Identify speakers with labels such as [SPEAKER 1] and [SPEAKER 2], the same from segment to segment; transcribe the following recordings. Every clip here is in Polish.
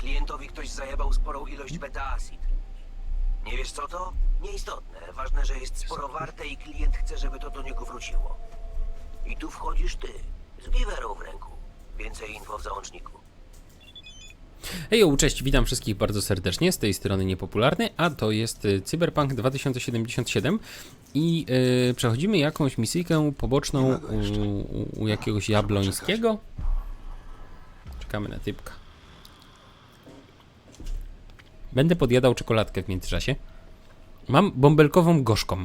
[SPEAKER 1] Klientowi ktoś zajebał sporą ilość beta-acid. Nie wiesz co to? Nieistotne. Ważne, że jest sporo warte i klient chce, żeby to do niego wróciło. I tu wchodzisz ty, z giwerą w ręku. Więcej info w załączniku.
[SPEAKER 2] Hejo, cześć, witam wszystkich bardzo serdecznie, z tej strony Niepopularny, a to jest Cyberpunk 2077 i przechodzimy jakąś misyjkę poboczną u jakiegoś Jablońskiego. Czekamy na typka. Będę podjadał czekoladkę w międzyczasie. Mam bąbelkową gorzką.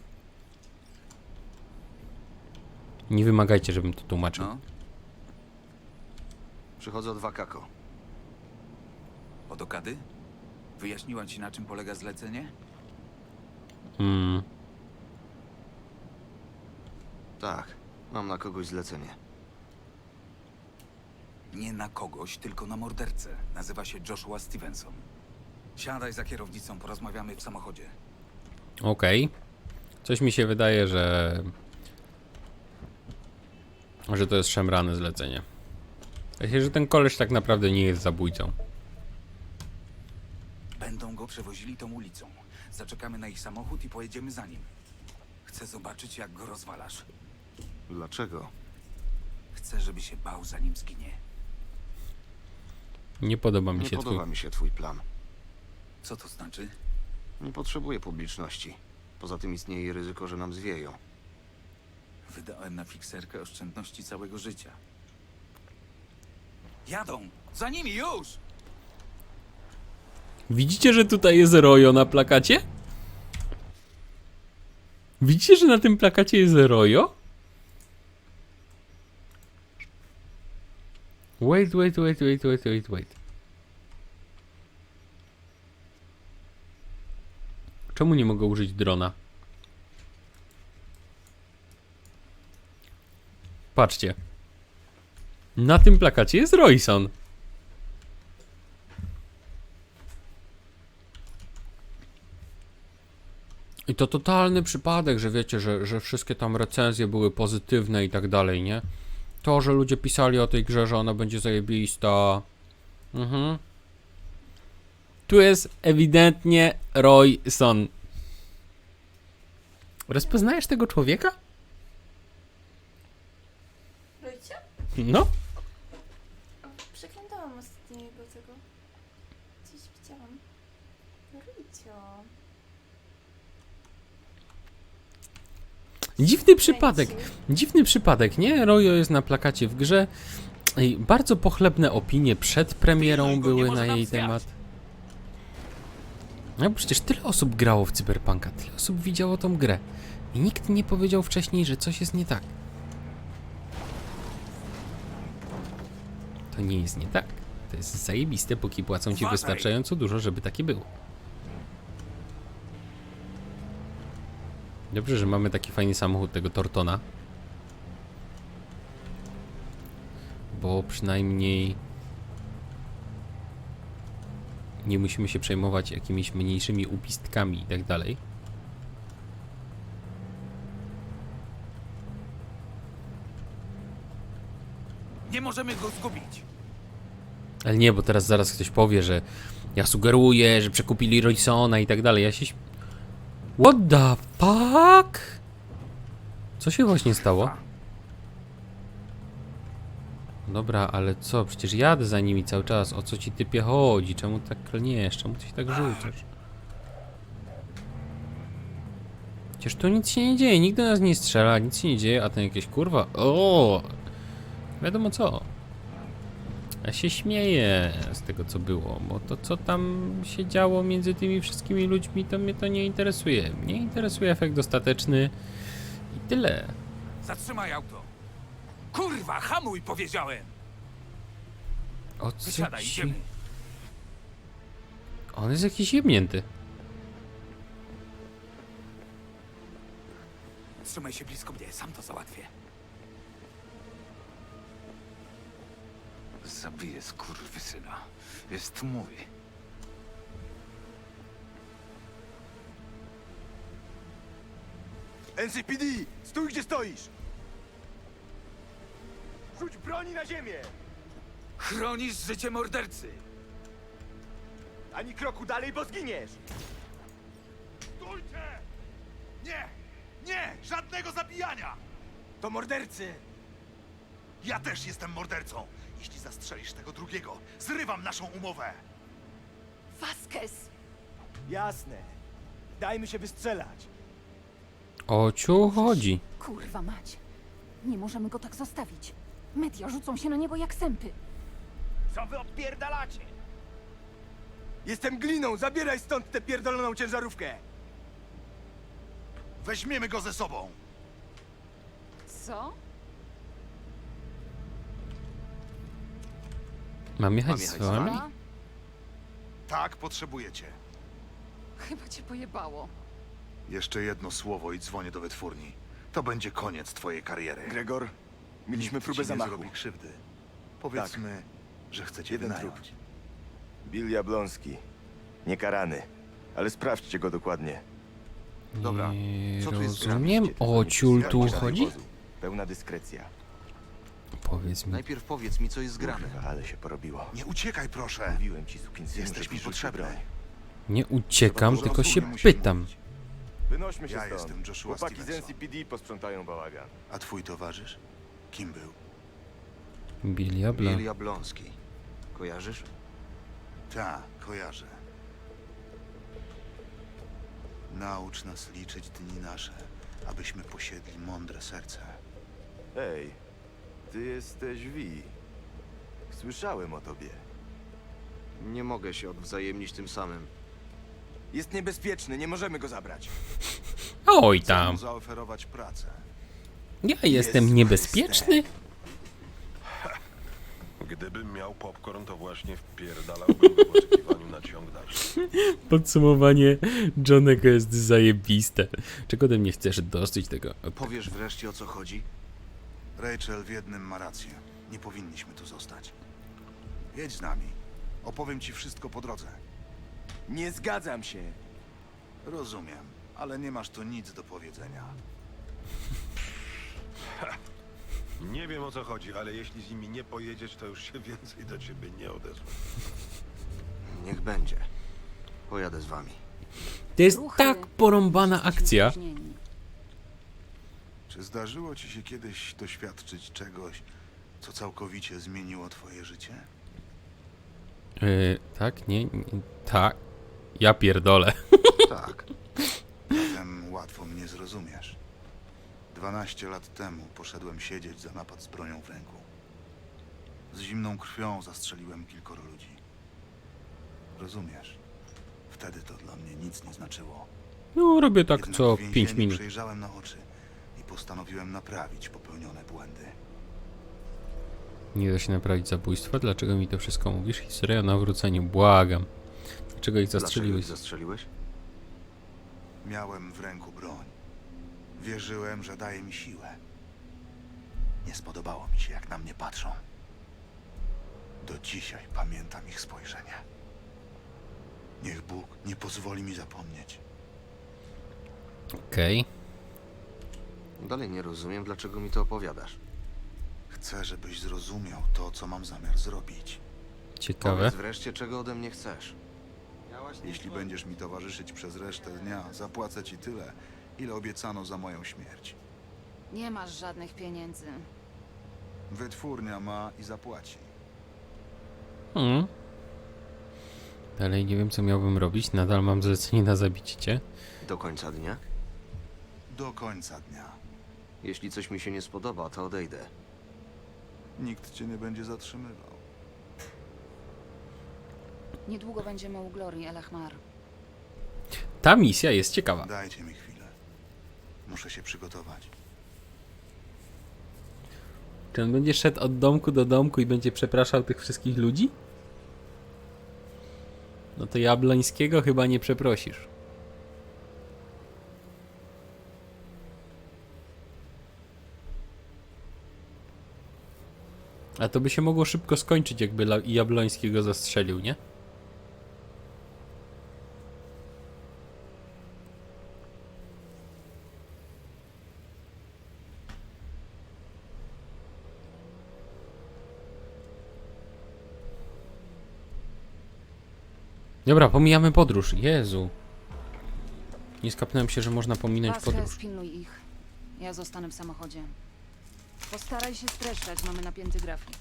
[SPEAKER 2] Nie wymagajcie, żebym to tłumaczył.
[SPEAKER 3] No. Przychodzę od Wakako.
[SPEAKER 4] Od Okady? Wyjaśniła ci, na czym polega zlecenie?
[SPEAKER 3] Tak, mam na kogoś zlecenie.
[SPEAKER 4] Nie na kogoś, tylko na mordercę. Nazywa się Joshua Stevenson. Siadaj za kierownicą, porozmawiamy w samochodzie.
[SPEAKER 2] Okej. Coś mi się wydaje, że to jest szemrane zlecenie. Myślę, że ten koleś tak naprawdę nie jest zabójcą.
[SPEAKER 4] Będą go przewozili tą ulicą. Zaczekamy na ich samochód i pojedziemy za nim. Chcę zobaczyć, jak go rozwalasz.
[SPEAKER 3] Dlaczego?
[SPEAKER 4] Chcę, żeby się bał, zanim zginie.
[SPEAKER 2] Nie podoba mi
[SPEAKER 3] Nie
[SPEAKER 2] się
[SPEAKER 3] podoba mi się twój plan.
[SPEAKER 4] Co to znaczy?
[SPEAKER 3] Nie potrzebuję publiczności. Poza tym istnieje ryzyko, że nam zwieją.
[SPEAKER 4] Wydałem na fikserkę oszczędności całego życia. Jadą! Za nimi już!
[SPEAKER 2] Widzicie, że tutaj jest Rojo na plakacie? Widzicie, że na tym plakacie jest Rojo? Wait. Czemu nie mogę użyć drona? Patrzcie. Na tym plakacie jest Royson. I to totalny przypadek, że wiecie, że wszystkie tam recenzje były pozytywne i tak dalej, nie? To, że ludzie pisali o tej grze, że ona będzie zajebista. Tu jest ewidentnie Royson. Rozpoznajesz tego człowieka?
[SPEAKER 5] Roycie?
[SPEAKER 2] No.
[SPEAKER 5] Przeglądałam ostatnio jego tego. Coś widziałam. Roycio.
[SPEAKER 2] Dziwny przypadek, nie? Rojo jest na plakacie w grze. I bardzo pochlebne opinie przed premierą były na jej temat. No przecież tyle osób grało w Cyberpunka, tyle osób widziało tą grę. I nikt nie powiedział wcześniej, że coś jest nie tak. To nie jest nie tak. To jest zajebiste, póki płacą ci wystarczająco dużo, żeby takie było. Dobrze, że mamy taki fajny samochód tego Tortona. Bo przynajmniej nie musimy się przejmować jakimiś mniejszymi upistkami i tak dalej.
[SPEAKER 4] Nie możemy go zgubić!
[SPEAKER 2] Ale nie, bo teraz zaraz ktoś powie, że ja sugeruję, że przekupili Roysona i tak dalej. Ja się... What the fuck? Co się właśnie stało? Dobra, ale co? Przecież jadę za nimi cały czas. O co ci typie chodzi? Czemu tak klniesz? Czemu ty się tak rzucasz? Przecież tu nic się nie dzieje. Nikt do nas nie strzela, nic się nie dzieje, a ten jakieś kurwa... O! Wiadomo co. Ja się śmieję z tego, co było, bo to, co tam się działo między tymi wszystkimi ludźmi, to mnie to nie interesuje. Mnie interesuje efekt ostateczny i tyle.
[SPEAKER 4] Zatrzymaj auto! Kurwa, hamuj, powiedziałem!
[SPEAKER 2] O co
[SPEAKER 4] Wysiadaj,
[SPEAKER 2] ci...
[SPEAKER 4] idziemy.
[SPEAKER 2] On jest jakiś jebnięty.
[SPEAKER 4] Trzymaj się blisko mnie, sam to załatwię. Zabiję skurwysyna. Jest mój.
[SPEAKER 6] NCPD! Stój, gdzie stoisz! Rzuć broni na ziemię!
[SPEAKER 4] Chronisz życie mordercy!
[SPEAKER 6] Ani kroku dalej, bo zginiesz!
[SPEAKER 7] Stójcie! Nie! Nie! Żadnego zabijania!
[SPEAKER 6] To mordercy!
[SPEAKER 7] Ja też jestem mordercą. Jeśli zastrzelisz tego drugiego, zrywam naszą umowę.
[SPEAKER 5] Vasquez!
[SPEAKER 6] Jasne. Dajmy się wystrzelać.
[SPEAKER 2] O ciu chodzi.
[SPEAKER 8] Kurwa mać. Nie możemy go tak zostawić. Media rzucą się na niego jak sępy.
[SPEAKER 6] Co wy odpierdalacie? Jestem Gliną, zabieraj stąd tę pierdoloną ciężarówkę!
[SPEAKER 7] Weźmiemy go ze sobą.
[SPEAKER 8] Co?
[SPEAKER 2] Mam jechać
[SPEAKER 3] Mam
[SPEAKER 2] z
[SPEAKER 3] jechać z
[SPEAKER 2] wami?
[SPEAKER 3] wami?
[SPEAKER 8] A?
[SPEAKER 7] Tak, potrzebujecie.
[SPEAKER 8] Chyba cię pojebało.
[SPEAKER 7] Jeszcze jedno słowo i dzwonię do wytwórni. To będzie koniec twojej kariery.
[SPEAKER 6] Gregor, mieliśmy
[SPEAKER 7] Nikt
[SPEAKER 6] próbę
[SPEAKER 7] ci nie
[SPEAKER 6] zamachu.
[SPEAKER 7] zrobi krzywdy. Powiedzmy, że chcecie
[SPEAKER 6] Jeden
[SPEAKER 7] wynająć.
[SPEAKER 6] Bill Jablonski. Niekarany. Ale sprawdźcie go dokładnie.
[SPEAKER 3] Dobra,
[SPEAKER 2] Nie
[SPEAKER 3] co tu jest
[SPEAKER 2] rozumiem.
[SPEAKER 3] grane?
[SPEAKER 2] O ciul tu
[SPEAKER 6] Żadnego
[SPEAKER 2] chodzi?
[SPEAKER 6] wozu. Pełna dyskrecja.
[SPEAKER 2] Powiedz mi.
[SPEAKER 3] Najpierw powiedz mi, co jest grane.
[SPEAKER 6] Kurwa, ale się porobiło.
[SPEAKER 7] Nie uciekaj, proszę.
[SPEAKER 6] Mówiłem ci, sukinsynu,
[SPEAKER 7] Jesteś mi
[SPEAKER 6] żebyś rzucił
[SPEAKER 7] potrzebny.
[SPEAKER 6] broń.
[SPEAKER 2] Nie uciekam,
[SPEAKER 7] Trzeba
[SPEAKER 2] tylko
[SPEAKER 7] dużo
[SPEAKER 2] się
[SPEAKER 7] rozumnie musimy
[SPEAKER 2] pytam.
[SPEAKER 7] mówić.
[SPEAKER 6] Wynośmy się
[SPEAKER 7] Ja
[SPEAKER 6] stąd.
[SPEAKER 7] jestem Joshua
[SPEAKER 6] Chłopaki z
[SPEAKER 7] Stevenson.
[SPEAKER 6] NCPD posprzątają bałagan.
[SPEAKER 7] A twój towarzysz? Kim był?
[SPEAKER 2] Bill Jabla.
[SPEAKER 3] Bill Jablonski. Kojarzysz?
[SPEAKER 7] Ta, kojarzę. Naucz nas liczyć dni nasze, abyśmy posiedli mądre serce.
[SPEAKER 6] Ej, ty jesteś Vi. Słyszałem o tobie.
[SPEAKER 3] Nie mogę się odwzajemnić tym samym.
[SPEAKER 6] Jest niebezpieczny, nie możemy go zabrać.
[SPEAKER 2] Oj
[SPEAKER 7] Chcę
[SPEAKER 2] tam.
[SPEAKER 7] mu zaoferować pracę.
[SPEAKER 2] Ja jestem niebezpieczny?
[SPEAKER 9] Gdybym miał popcorn, to właśnie wpierdalałbym go w oczekiwaniu na ciąg dalszy.
[SPEAKER 2] Podsumowanie Johnego jest zajebiste. Czego ode mnie chcesz dosyć tego?
[SPEAKER 3] Powiesz wreszcie, o co chodzi?
[SPEAKER 7] Rachel w jednym ma rację. Nie powinniśmy tu zostać. Jedź z nami. Opowiem ci wszystko po drodze.
[SPEAKER 6] Nie zgadzam się.
[SPEAKER 7] Rozumiem, ale nie masz tu nic do powiedzenia.
[SPEAKER 9] Nie wiem, o co chodzi, ale jeśli z nimi nie pojedziesz, to już się więcej do ciebie nie odezwę.
[SPEAKER 3] Niech będzie. Pojadę z wami.
[SPEAKER 2] To jest
[SPEAKER 8] Ruchy.
[SPEAKER 2] tak porąbana akcja.
[SPEAKER 8] Spóźnieni.
[SPEAKER 7] Czy zdarzyło ci się kiedyś doświadczyć czegoś, co całkowicie zmieniło twoje życie?
[SPEAKER 2] Tak, nie, tak. Ja pierdolę.
[SPEAKER 3] Tak.
[SPEAKER 7] Zatem łatwo mnie zrozumiesz. 12 lat temu poszedłem siedzieć za napad z bronią w ręku. Z zimną krwią zastrzeliłem kilkoro ludzi. Rozumiesz? Wtedy to dla mnie nic nie znaczyło.
[SPEAKER 2] No, robię tak
[SPEAKER 7] Jednak
[SPEAKER 2] co
[SPEAKER 7] w
[SPEAKER 2] 5
[SPEAKER 7] więzieniu
[SPEAKER 2] minut.
[SPEAKER 7] przejrzałem na oczy i postanowiłem naprawić popełnione błędy.
[SPEAKER 2] Nie da się naprawić zabójstwa? Dlaczego mi to wszystko mówisz? Historia o nawróceniu. Błagam. Dlaczego ich
[SPEAKER 3] Dlaczego
[SPEAKER 2] zastrzeliłeś?
[SPEAKER 3] ich zastrzeliłeś?
[SPEAKER 7] Miałem w ręku broń. Wierzyłem, że daje mi siłę. Nie spodobało mi się, jak na mnie patrzą. Do dzisiaj pamiętam ich spojrzenie. Niech Bóg nie pozwoli mi zapomnieć.
[SPEAKER 2] Okej.
[SPEAKER 3] Dalej nie rozumiem, dlaczego mi to opowiadasz.
[SPEAKER 7] Chcę, żebyś zrozumiał to, co mam zamiar zrobić.
[SPEAKER 2] Ciekawe.
[SPEAKER 3] Powiedz wreszcie, czego ode mnie chcesz.
[SPEAKER 7] Jeśli będziesz mi towarzyszyć przez resztę dnia, zapłacę ci tyle, ile obiecano za moją śmierć.
[SPEAKER 8] Nie masz żadnych pieniędzy.
[SPEAKER 7] Wytwórnia ma i zapłaci.
[SPEAKER 2] Hmm. Dalej nie wiem, co miałbym robić. Nadal mam zlecenie na zabicie cię.
[SPEAKER 3] Do końca dnia?
[SPEAKER 7] Do końca dnia.
[SPEAKER 3] Jeśli coś mi się nie spodoba, to odejdę.
[SPEAKER 7] Nikt cię nie będzie zatrzymywał.
[SPEAKER 8] Niedługo będziemy u Glorii El Ahmar.
[SPEAKER 2] Ta misja jest ciekawa.
[SPEAKER 7] Dajcie mi chwilę. Muszę się przygotować.
[SPEAKER 2] Czy on będzie szedł od domku do domku i będzie przepraszał tych wszystkich ludzi? No to Jablońskiego chyba nie przeprosisz. A to by się mogło szybko skończyć, jakby Jablońskiego zastrzelił, nie? Dobra, pomijamy podróż. Jezu. Nie skapnąłem się, że można pominąć
[SPEAKER 8] Vasquez,
[SPEAKER 2] podróż.
[SPEAKER 8] pilnuj ich. Ja zostanę w samochodzie. Postaraj się streszczać, mamy napięty grafik.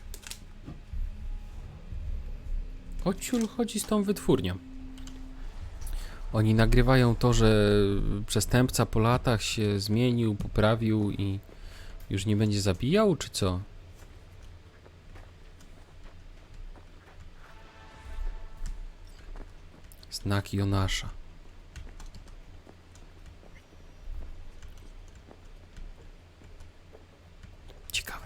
[SPEAKER 2] O ciul chodzi z tą wytwórnią. Oni nagrywają to, że przestępca po latach się zmienił, poprawił i już nie będzie zabijał, czy co? Znak Jonasza. Ciekawe.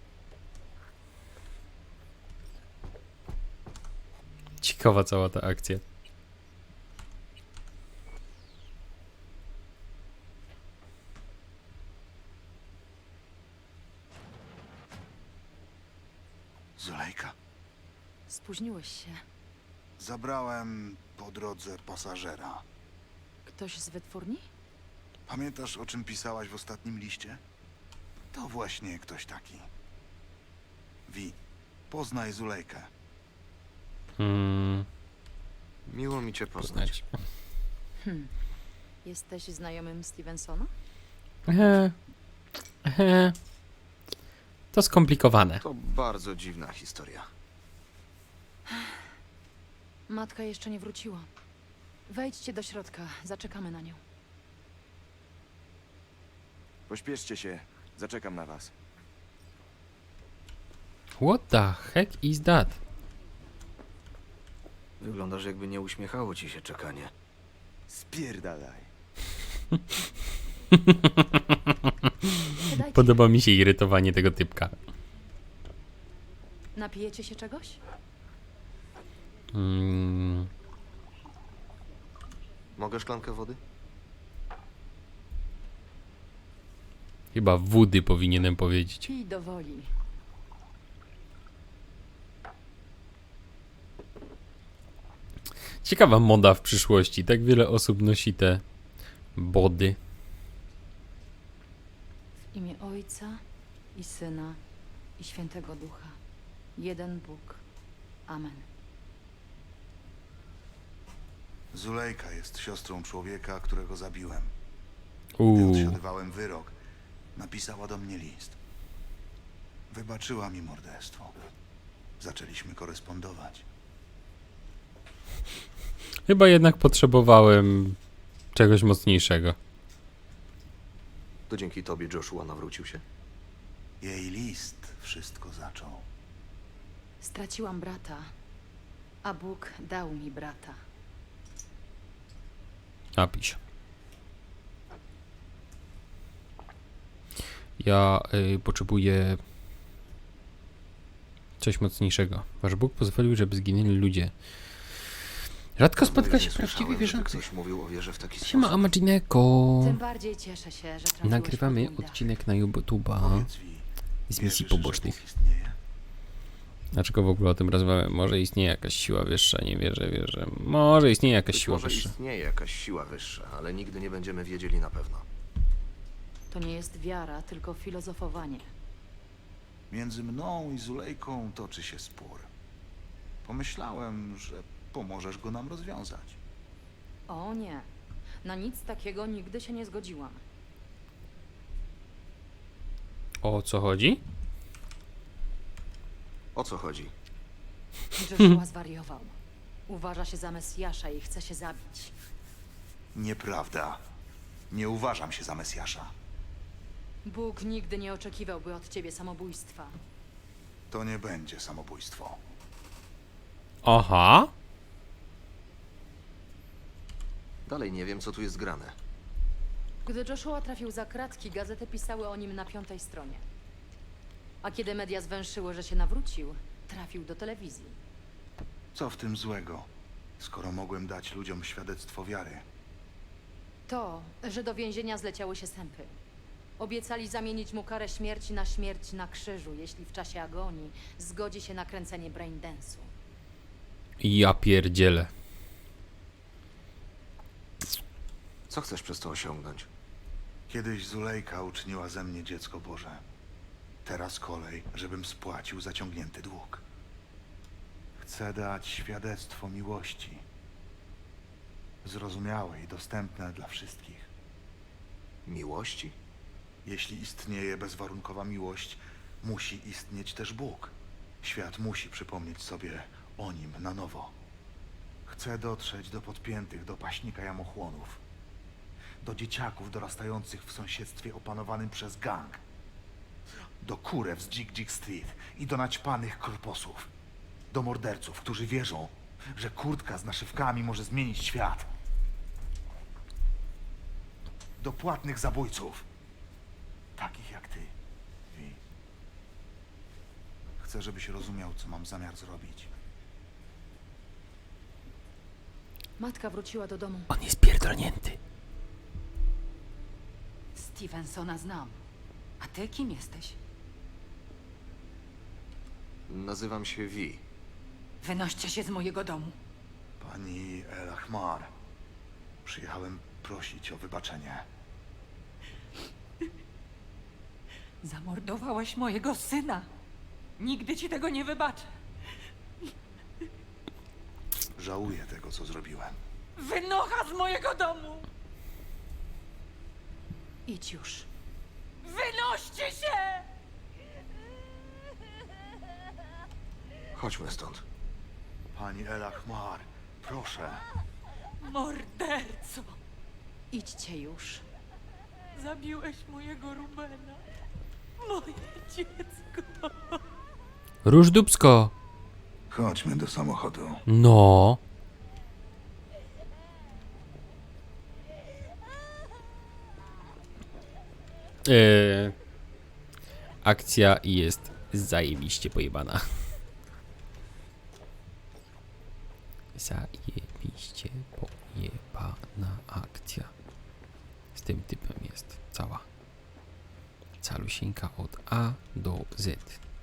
[SPEAKER 2] Ciekawa cała ta akcja.
[SPEAKER 7] Zulejka.
[SPEAKER 8] Spóźniłeś się.
[SPEAKER 7] Zabrałem po drodze pasażera.
[SPEAKER 8] Ktoś z wytwórni?
[SPEAKER 7] Pamiętasz, o czym pisałaś w ostatnim liście? To właśnie ktoś taki. Wi, poznaj Zulejkę.
[SPEAKER 3] Miło mi cię poznać.
[SPEAKER 2] Poznać.
[SPEAKER 8] Jesteś znajomym Stevensona?
[SPEAKER 2] To skomplikowane.
[SPEAKER 3] To bardzo dziwna historia.
[SPEAKER 8] Matka jeszcze nie wróciła. Wejdźcie do środka, zaczekamy na nią.
[SPEAKER 6] Pośpieszcie się, zaczekam na was.
[SPEAKER 2] What the heck is that?
[SPEAKER 3] Wyglądasz, jakby nie uśmiechało ci się czekanie.
[SPEAKER 6] Spierdalaj.
[SPEAKER 8] Siadajcie.
[SPEAKER 2] Podoba mi się irytowanie tego typka.
[SPEAKER 8] Napijecie się czegoś?
[SPEAKER 3] Mogę szklankę wody?
[SPEAKER 2] Chyba wody powinienem powiedzieć.
[SPEAKER 8] Pij do woli.
[SPEAKER 2] Ciekawa moda w przyszłości. Tak wiele osób nosi te body.
[SPEAKER 8] W imię Ojca i Syna i Świętego Ducha. Jeden Bóg. Amen.
[SPEAKER 7] Zulejka jest siostrą człowieka, którego zabiłem. Gdy
[SPEAKER 2] Uuu.
[SPEAKER 7] odsiadywałem wyrok, napisała do mnie list. Wybaczyła mi morderstwo. Zaczęliśmy korespondować.
[SPEAKER 2] Chyba jednak potrzebowałem czegoś mocniejszego.
[SPEAKER 3] To dzięki tobie Joshua nawrócił się?
[SPEAKER 7] Jej list wszystko zaczął.
[SPEAKER 8] Straciłam brata, a Bóg dał mi brata.
[SPEAKER 2] Napisz. Ja potrzebuję coś mocniejszego. Wasz Bóg pozwolił, żeby zginęli ludzie. Rzadko spotka się prawdziwy wierzący.
[SPEAKER 3] Ktoś mówił o wierze w taki
[SPEAKER 2] Siema
[SPEAKER 3] sposób.
[SPEAKER 2] Amagineko.
[SPEAKER 8] Tym bardziej cieszę się, że trafiłeś
[SPEAKER 2] Nagrywamy
[SPEAKER 8] pod mój dach.
[SPEAKER 2] odcinek na YouTube'a
[SPEAKER 7] Powiedz mi,
[SPEAKER 2] z misji
[SPEAKER 7] wierzysz,
[SPEAKER 2] pobocznych.
[SPEAKER 7] że Bóg istnieje?
[SPEAKER 2] Dlaczego w ogóle o tym rozmawiamy? Może istnieje jakaś siła wyższa, nie wierzę. Może istnieje jakaś
[SPEAKER 3] Być
[SPEAKER 2] siła
[SPEAKER 3] może
[SPEAKER 2] wyższa.
[SPEAKER 3] istnieje jakaś siła wyższa, ale nigdy nie będziemy wiedzieli na pewno.
[SPEAKER 8] To nie jest wiara, tylko filozofowanie.
[SPEAKER 7] Między mną i Zulejką toczy się spór. Pomyślałem, że pomożesz go nam rozwiązać.
[SPEAKER 8] O nie, na nic takiego nigdy się nie zgodziłam.
[SPEAKER 2] O co chodzi?
[SPEAKER 3] O co chodzi?
[SPEAKER 8] Joshua zwariował. Uważa się za Mesjasza i chce się zabić.
[SPEAKER 7] Nieprawda. Nie uważam się za Mesjasza.
[SPEAKER 8] Bóg nigdy nie oczekiwałby od ciebie samobójstwa.
[SPEAKER 7] To nie będzie samobójstwo.
[SPEAKER 2] Aha.
[SPEAKER 3] Dalej nie wiem, co tu jest grane.
[SPEAKER 8] Gdy Joshua trafił za kratki, gazety pisały o nim na 5. stronie. A kiedy media zwęszyły, że się nawrócił, trafił do telewizji.
[SPEAKER 7] Co w tym złego, skoro mogłem dać ludziom świadectwo wiary?
[SPEAKER 8] To, że do więzienia zleciały się sępy. Obiecali zamienić mu karę śmierci na śmierć na krzyżu, jeśli w czasie agonii zgodzi się na kręcenie braindance'u.
[SPEAKER 2] Ja pierdzielę.
[SPEAKER 3] Co chcesz przez to osiągnąć?
[SPEAKER 7] Kiedyś Zulejka uczyniła ze mnie dziecko Boże. Teraz kolej, żebym spłacił zaciągnięty dług. Chcę dać świadectwo miłości Zrozumiałe i dostępne dla wszystkich.
[SPEAKER 3] Miłości?
[SPEAKER 7] Jeśli istnieje bezwarunkowa miłość, musi istnieć też Bóg. Świat musi przypomnieć sobie o nim na nowo. Chcę dotrzeć do podpiętych, do paśnika jamochłonów. Do dzieciaków dorastających w sąsiedztwie opanowanym przez gang. Do kurew z Dzik Street i do naćpanych korposów. Do morderców, którzy wierzą, że kurtka z naszywkami może zmienić świat. Do płatnych zabójców. Takich jak ty, Vi. Chcę, żebyś rozumiał, co mam zamiar zrobić.
[SPEAKER 8] Matka wróciła do domu.
[SPEAKER 2] On jest pierdolnięty.
[SPEAKER 5] Stevensona znam. A ty kim jesteś?
[SPEAKER 3] Nazywam się Vi.
[SPEAKER 5] Wynoście się z mojego domu.
[SPEAKER 7] Pani El Ahmar, przyjechałem prosić o wybaczenie.
[SPEAKER 5] Zamordowałeś mojego syna. Nigdy ci tego nie wybaczę.
[SPEAKER 7] Żałuję tego, co zrobiłem.
[SPEAKER 5] Wynocha z mojego domu!
[SPEAKER 8] Idź już.
[SPEAKER 5] Wynoście się!
[SPEAKER 3] Chodźmy stąd.
[SPEAKER 7] Pani El Ahmar, proszę.
[SPEAKER 5] Morderco!
[SPEAKER 8] Idźcie już.
[SPEAKER 5] Zabiłeś mojego Rubena. Moje dziecko.
[SPEAKER 2] Róż dupsko.
[SPEAKER 7] Chodźmy do samochodu.
[SPEAKER 2] No. Akcja jest zajebiście pojebana. Zajebiście pojebana akcja. Z tym typem jest cała. Calusieńka od A do Z.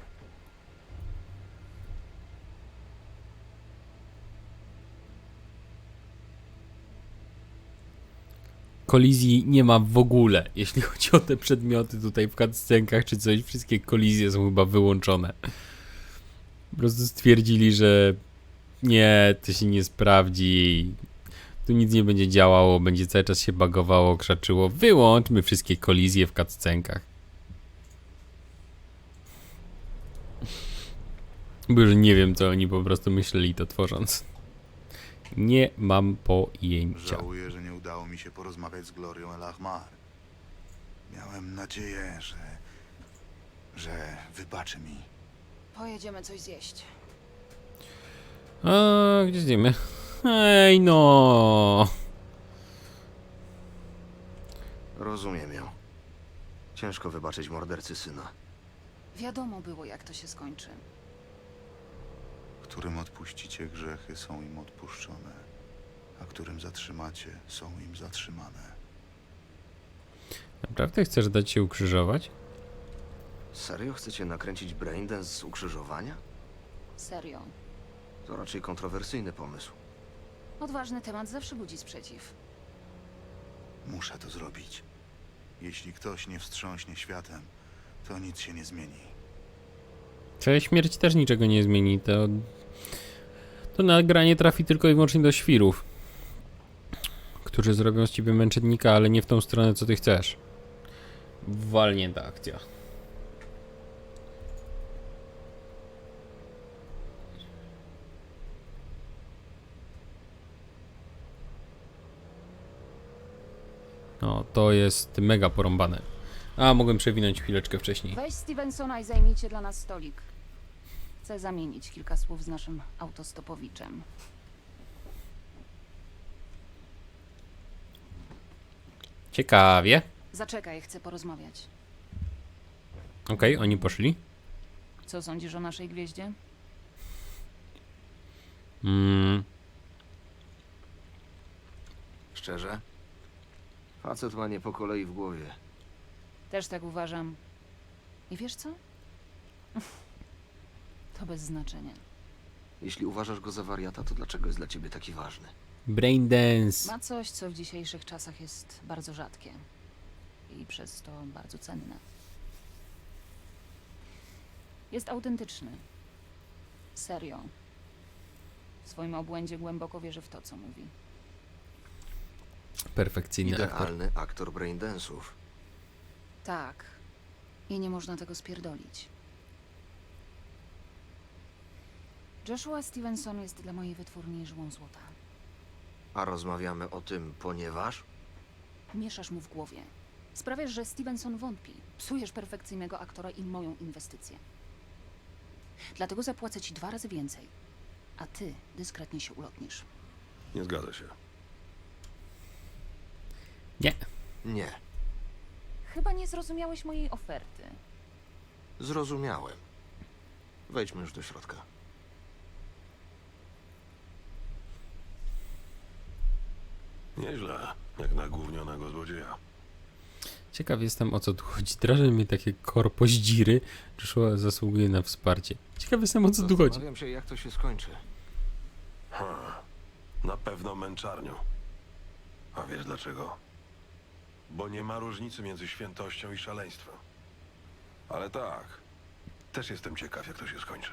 [SPEAKER 2] Kolizji nie ma w ogóle, jeśli chodzi o te przedmioty tutaj w cutscenkach czy coś, wszystkie kolizje są chyba wyłączone. Po prostu stwierdzili, że nie, to się nie sprawdzi, tu nic nie będzie działało, będzie cały czas się bugowało, krzaczyło. Wyłączmy wszystkie kolizje w cutscenkach. Bo już nie wiem, co oni po prostu myśleli to tworząc. Nie mam pojęcia.
[SPEAKER 7] Żałuję, że nie udało mi się porozmawiać z Glorią El Ahmar. Miałem nadzieję, że wybaczy mi.
[SPEAKER 8] Pojedziemy coś zjeść.
[SPEAKER 2] A gdzie zjemy? Ej no.
[SPEAKER 3] Rozumiem ją. Ciężko wybaczyć mordercy syna.
[SPEAKER 8] Wiadomo było, jak to się skończy.
[SPEAKER 7] Którym odpuścicie grzechy, są im odpuszczone, a którym zatrzymacie, są im zatrzymane.
[SPEAKER 2] Naprawdę chcesz dać się ukrzyżować?
[SPEAKER 3] Serio chcecie nakręcić braindance z ukrzyżowania?
[SPEAKER 8] Serio.
[SPEAKER 3] To raczej kontrowersyjny pomysł.
[SPEAKER 8] Odważny temat zawsze budzi sprzeciw.
[SPEAKER 7] Muszę to zrobić. Jeśli ktoś nie wstrząśnie światem, to nic się nie zmieni.
[SPEAKER 2] Twoja śmierć też niczego nie zmieni. To nagranie trafi tylko i wyłącznie do świrów, którzy zrobią z ciebie męczennika, ale nie w tą stronę, co ty chcesz. Walnięta akcja. No, to jest mega porąbane. A, mogłem przewinąć chwileczkę wcześniej.
[SPEAKER 10] Weź Stevensona i zajmijcie dla nas stolik. Chcę zamienić kilka słów z naszym autostopowiczem.
[SPEAKER 2] Ciekawie.
[SPEAKER 10] Zaczekaj, chcę porozmawiać.
[SPEAKER 2] Okej, oni poszli.
[SPEAKER 10] Co sądzisz o naszej gwieździe?
[SPEAKER 3] Szczerze? Facet ma nie po kolei w głowie.
[SPEAKER 10] Też tak uważam. I wiesz co? To bez znaczenia.
[SPEAKER 3] Jeśli uważasz go za wariata, to dlaczego jest dla ciebie taki ważny?
[SPEAKER 2] Braindance.
[SPEAKER 10] Ma coś, co w dzisiejszych czasach jest bardzo rzadkie. I przez to bardzo cenne. Jest autentyczny. Serio. W swoim obłędzie głęboko wierzy w to, co mówi.
[SPEAKER 2] Perfekcyjny aktor.
[SPEAKER 3] Idealny aktor braindance'ów.
[SPEAKER 10] Tak. I nie można tego spierdolić. Joshua Stevenson jest dla mojej wytwórni żyłą złota.
[SPEAKER 3] A rozmawiamy o tym, ponieważ...
[SPEAKER 10] Mieszasz mu w głowie. Sprawiasz, że Stevenson wątpi. Psujesz perfekcyjnego aktora i moją inwestycję. Dlatego zapłacę ci 2 razy więcej. A ty dyskretnie się ulotnisz.
[SPEAKER 9] Nie zgadza się.
[SPEAKER 2] Nie.
[SPEAKER 3] Nie,
[SPEAKER 10] Chyba nie zrozumiałeś mojej oferty.
[SPEAKER 3] zrozumiałem. Wejdźmy już do środka.
[SPEAKER 9] Nieźle, jak na gównionego złodzieja.
[SPEAKER 2] Ciekaw jestem, o co tu chodzi. Drażą mnie takie korpoździry. Joshua zasługuje na wsparcie. Ciekaw jestem, o co tu chodzi.
[SPEAKER 3] Zastanawiam się, jak to się skończy.
[SPEAKER 9] Na pewno męczarnią. A wiesz dlaczego? Bo nie ma różnicy między świętością i szaleństwem. Ale tak, też jestem ciekaw, jak to się skończy.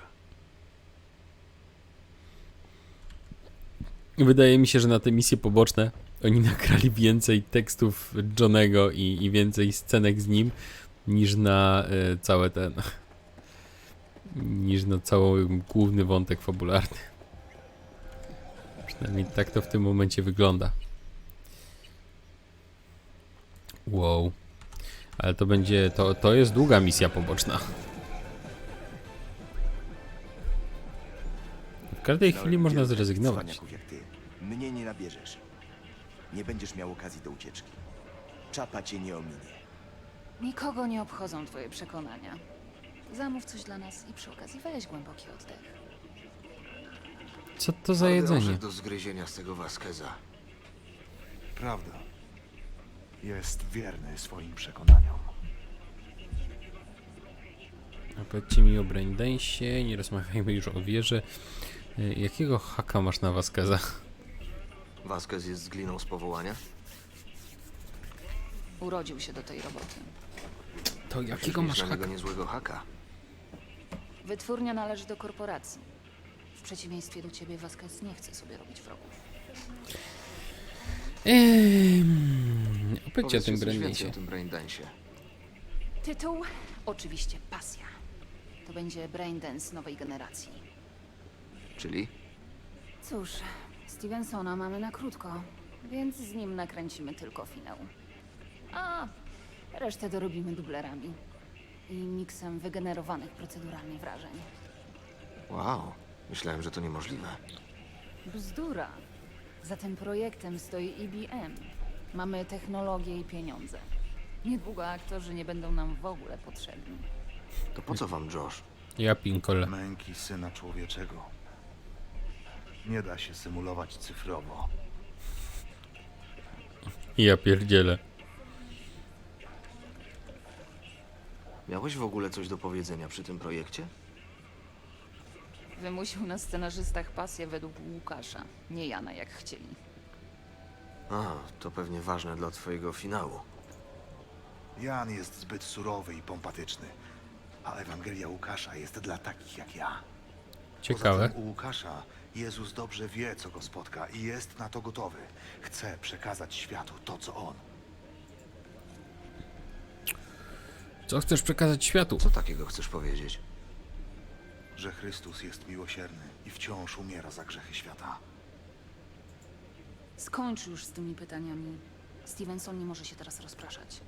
[SPEAKER 2] Wydaje mi się, że na te misje poboczne oni nagrali więcej tekstów Johnego i więcej scenek z nim niż na całe ten... niż na cały główny wątek fabularny. Przynajmniej tak to w tym momencie wygląda. Wow. Ale to będzie... To jest długa misja poboczna. W każdej chwili można zrezygnować.
[SPEAKER 6] Cwaniaków jak ty. Mnie nie nabierzesz. Nie będziesz miał okazji do ucieczki. Czapa cię nie ominie.
[SPEAKER 10] Nikogo nie obchodzą twoje przekonania. Zamów coś dla nas i przy okazji weź głęboki oddech.
[SPEAKER 2] Co to za
[SPEAKER 3] Ale
[SPEAKER 2] jedzenie?
[SPEAKER 3] orzech do zgryzienia z tego Vasqueza.
[SPEAKER 7] Prawda. Jest wierny swoim przekonaniom.
[SPEAKER 2] A powiedzcie mi o braindance'ie, nie rozmawiajmy już o wierze. Jakiego haka masz na Vasqueza?
[SPEAKER 3] Vasquez jest z gliną z powołania?
[SPEAKER 10] Urodził się do tej roboty.
[SPEAKER 2] To jakiego
[SPEAKER 3] Mieć
[SPEAKER 2] masz
[SPEAKER 3] na niego
[SPEAKER 2] haka?
[SPEAKER 3] niezłego haka.
[SPEAKER 10] Wytwórnia należy do korporacji. W przeciwieństwie do ciebie, Vasquez nie chce sobie robić wrogów.
[SPEAKER 2] Opowiedzcie o tym
[SPEAKER 3] Powiedzcie coś więcej
[SPEAKER 2] braindance'ie.
[SPEAKER 3] o tym braindance'ie.
[SPEAKER 10] Tytuł? Oczywiście pasja. To będzie braindance nowej generacji.
[SPEAKER 3] Czyli?
[SPEAKER 10] Cóż, Stevensona mamy na krótko, więc z nim nakręcimy tylko finał. A resztę dorobimy dublerami i miksem wygenerowanych proceduralnie wrażeń.
[SPEAKER 3] Wow, myślałem, że to niemożliwe.
[SPEAKER 10] Bzdura. Za tym projektem stoi IBM. Mamy technologię i pieniądze. Niedługo aktorzy nie będą nam w ogóle potrzebni.
[SPEAKER 3] To po co wam Josh?
[SPEAKER 2] Ja pinkole.
[SPEAKER 7] Męki Syna Człowieczego. Nie da się symulować cyfrowo.
[SPEAKER 2] Ja pierdzielę.
[SPEAKER 3] Miałeś w ogóle coś do powiedzenia przy tym projekcie?
[SPEAKER 10] Wymusił na scenarzystach pasję według Łukasza, nie Jana jak chcieli.
[SPEAKER 3] A, to pewnie ważne dla twojego finału.
[SPEAKER 7] Jan jest zbyt surowy i pompatyczny, a Ewangelia Łukasza jest dla takich jak ja.
[SPEAKER 2] Ciekawe.
[SPEAKER 7] Poza tym u Łukasza Jezus dobrze wie, co go spotka i jest na to gotowy. Chce przekazać światu to, co on.
[SPEAKER 2] Co chcesz przekazać światu?
[SPEAKER 3] Co takiego chcesz powiedzieć?
[SPEAKER 7] Że Chrystus jest miłosierny i wciąż umiera za grzechy świata.
[SPEAKER 10] Skończ już z tymi pytaniami. Stevenson nie może się teraz rozpraszać.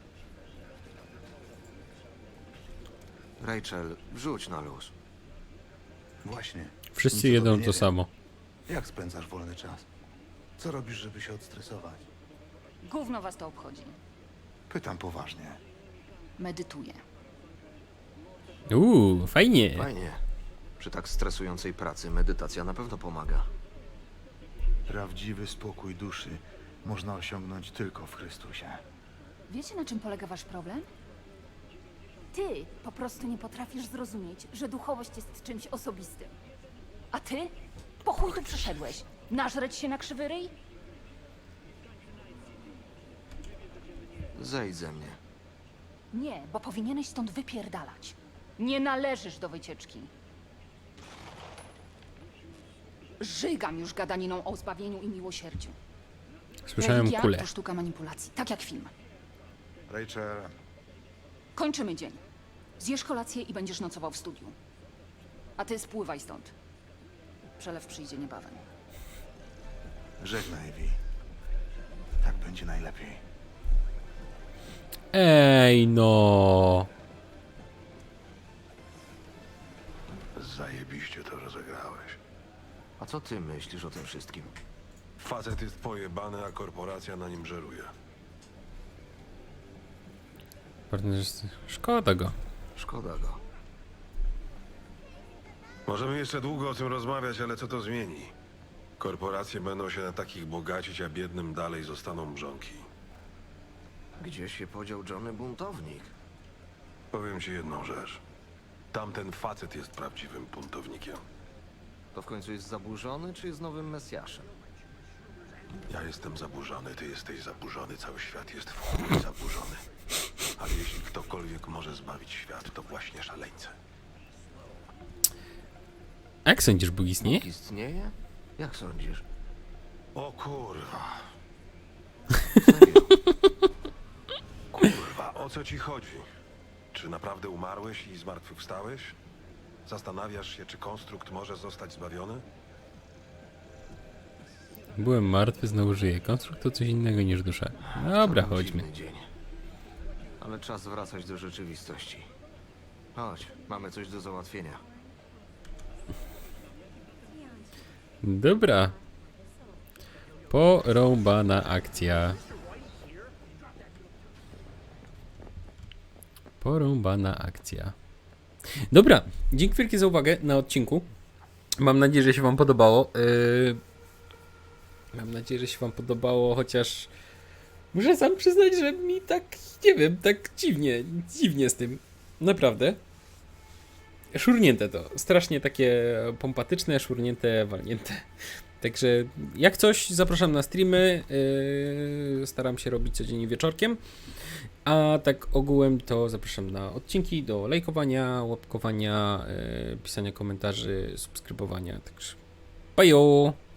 [SPEAKER 3] Rachel, wrzuć na luz.
[SPEAKER 7] Właśnie.
[SPEAKER 2] Wszyscy
[SPEAKER 7] Nic o
[SPEAKER 2] jedzą
[SPEAKER 7] tobie nie
[SPEAKER 2] to
[SPEAKER 7] wiem.
[SPEAKER 2] samo.
[SPEAKER 7] Jak spędzasz wolny czas? Co robisz, żeby się odstresować?
[SPEAKER 10] Gówno was to obchodzi.
[SPEAKER 7] Pytam poważnie.
[SPEAKER 10] Medytuję.
[SPEAKER 2] Fajnie.
[SPEAKER 3] Fajnie. Przy tak stresującej pracy medytacja na pewno pomaga.
[SPEAKER 7] Prawdziwy spokój duszy można osiągnąć tylko w Chrystusie.
[SPEAKER 10] Wiecie, na czym polega wasz problem? Ty po prostu nie potrafisz zrozumieć, że duchowość jest czymś osobistym. A ty? Po chuj tu przyszedłeś? Nażreć się na krzywy ryj?
[SPEAKER 3] Zejdź ze mnie.
[SPEAKER 10] Nie, bo powinieneś stąd wypierdalać. Nie należysz do wycieczki. Żygam już gadaniną o zbawieniu i miłosierdziu.
[SPEAKER 2] Słyszałem
[SPEAKER 10] Religia
[SPEAKER 2] kulę.
[SPEAKER 10] to sztuka manipulacji, tak jak film.
[SPEAKER 7] Rachel,
[SPEAKER 10] Kończymy dzień. Zjesz kolację i będziesz nocował w studiu. A ty spływaj stąd. Przelew przyjdzie niebawem.
[SPEAKER 7] żegnaj, Vi. Tak będzie najlepiej.
[SPEAKER 2] Ej, no.
[SPEAKER 9] Zajebiście to rozegrałeś.
[SPEAKER 3] A co ty myślisz o tym wszystkim?
[SPEAKER 9] Facet jest pojebany, a korporacja na nim żeruje.
[SPEAKER 2] Szkoda go.
[SPEAKER 3] Szkoda go.
[SPEAKER 9] Możemy jeszcze długo o tym rozmawiać, ale co to zmieni? Korporacje będą się na takich bogacić, a biednym dalej zostaną mrzonki.
[SPEAKER 3] Gdzie się podział Johnny Buntownik?
[SPEAKER 9] Powiem ci jedną rzecz. Tamten facet jest prawdziwym buntownikiem.
[SPEAKER 3] To w końcu jest zaburzony, czy jest nowym Mesjaszem?
[SPEAKER 9] Ja jestem zaburzony, ty jesteś zaburzony, cały świat jest w chuj zaburzony. Ale jeśli ktokolwiek może zbawić świat, to właśnie szaleńcy.
[SPEAKER 2] A jak sądzisz, Bóg istnieje?
[SPEAKER 3] Istnieje? Jak sądzisz?
[SPEAKER 9] O kurwa,
[SPEAKER 3] Serio?
[SPEAKER 9] kurwa, o co ci chodzi? Czy naprawdę umarłeś i zmartwychwstałeś? Zastanawiasz się, czy konstrukt może zostać zbawiony?
[SPEAKER 2] Byłem martwy, znowu żyję. Konstrukt to coś innego niż dusza. Dobra,
[SPEAKER 3] To był
[SPEAKER 2] chodźmy.
[SPEAKER 3] dziwny dzień. Ale czas wracać do rzeczywistości. Chodź, mamy coś do załatwienia.
[SPEAKER 2] Dobra. Porąbana akcja. Porąbana akcja. Dobra, dzięki wielkie za uwagę na odcinku. Mam nadzieję, że się wam podobało. Mam nadzieję, że się wam podobało, chociaż muszę sam przyznać, że mi tak, nie wiem, tak dziwnie z tym. Naprawdę. Szurnięte to. Strasznie takie pompatyczne, szurnięte, walnięte. Także jak coś, zapraszam na streamy. Staram się robić codziennie wieczorkiem. A tak ogółem to zapraszam na odcinki, do lajkowania, łapkowania, pisania komentarzy, subskrybowania. Także bajo!